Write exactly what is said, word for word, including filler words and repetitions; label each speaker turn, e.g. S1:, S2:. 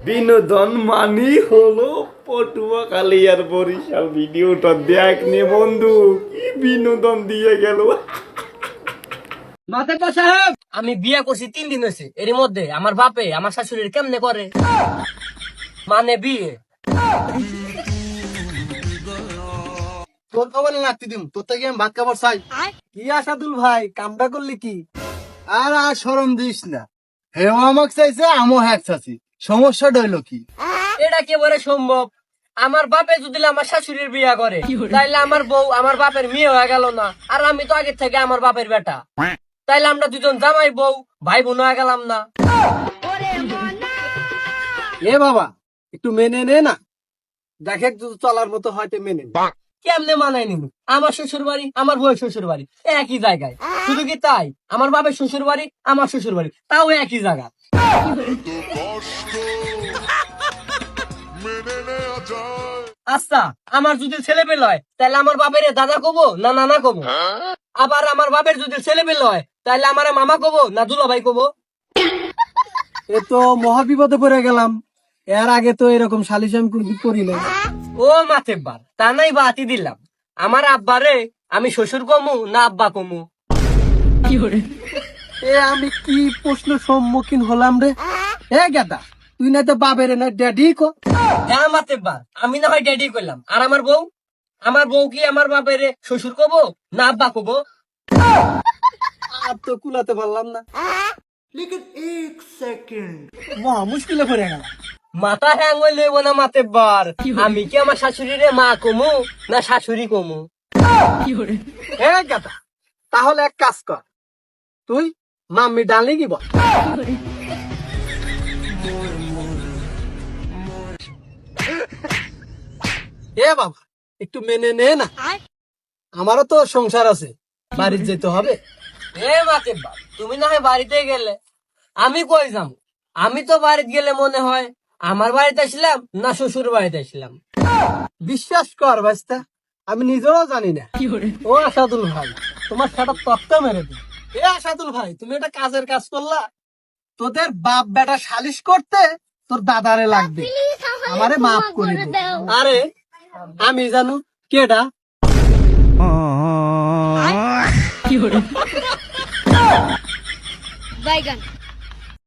S1: বিনোদন মানি হলো পটুয়াখালী আর বরিশাল। ভিডিওটা দেখ নে বন্ধু, কি বিনোদন দিয়ে গেল।
S2: মাতাব্বর সাহেব, আমি বিয়ে করছি তিন দিন হয়েছে, এর মধ্যে আমার বাপে আমার শাশুড়ির কেমনে করে মানে বিয়ে।
S3: তোর খবর লাগতে দিম, তোর থেকে আমি ভাত খাবার চাই। কি আসাদুল ভাই, কামটা করলি কি? আর আর শরম দিস না, হেও আমাকে চাইছে, আমও হ্যাক চাচ্ছি, সমস্যাটা হইলো কি?
S2: এটা কেবারে সম্ভব? আমার বাপে যদি আমার শাশুড়ির বিয়ে করে তাইলে আমার বউ আমার বাপের মেয়ে হয়ে গেল না? আর আমি তো আগে থেকে আমার বাপের বেটা, তাইলে আমরা দুজন জামাই বউ ভাই বোন হয়ে গেলাম না?
S3: এ বাবা, একটু মেনে নে না, দেখে যদি চলার মতো হয়তো মেনে নে।
S2: কেমনে মানায় নিব? আমার শ্বশুর বাড়ি আমার বউয়ের শ্বশুর বাড়ি একই জায়গায়, শুধু কি তাই আমার বাপের শ্বশুর বাড়ি আমার শ্বশুর বাড়ি তাও একই জায়গা। আচ্ছা, আমার যদি ছেলে পেলে হয় তাহলে আমার বাপের দাদা কবো না নানা কবো? আবার আমার বাপের যদি ছেলে পেলে হয় তাহলে আমার মামা কবো না দুলা ভাই কবো?
S3: এ তো মহা বিপদে পড়ে গেলাম, এর আগে তো এরকম সালিশ আমি কোনদিন করি না।
S2: ও মাতেব্বার, তা নাই বাতি দিলাম, আমার আব্বারে আমি শ্বশুর কমু না আব্বা কমু?
S3: এ আমি কি প্রশ্ন সম্মুখীন হলাম রে? এ গেদা, তুই না তো বাবের না ড্যাডি কো।
S2: হ্যাঁ মাতেব্বার, আমি না হয় ড্যাডি করলাম, আর আমার বউ আমার বউ কি আমার বাপের শ্বশুর কবো না আব্বা কবো?
S3: আর তো কুলাতে পারলাম না, মহা মুশকিলে পড়ে গেল।
S2: মাথা হ্যাং হইলে না মাতেব্বার, আমি কি আমার শাশুড়িরে মা কমু না শাশুড়ি কমু?
S3: এ গেদা, তাহলে এক কাজ কর, তুই মাম্মি ডালি কি বল। এ বাবা, একটু মেনে নে না, আমারও তো সংসার আছে, বাড়িতে যেতে হবে।
S2: এ মাতেব্বার, তুমি না হয় বাড়িতে গেলে, আমি কই যাম? আমি তো বাড়িতে গেলে মনে হয় আমার বাড়িতে আসলাম না শ্বশুর বাড়িতে আসলাম।
S3: বিশ্বাস কর ভাইস্তা, আমি নিজেও জানি না। ও আসাদুল ভাই, তোমার সেটা তত্ত্ব মেরে দিই। এ আসাদুল ভাই, তুমি এটা কাজের কাজ করলা, তোদের বাপ বেটা সালিশ করতে তোর দাদারে লাগবে, আমারে মাফ করে দে। আরে আমি জানো কেডা?
S4: বাইগান।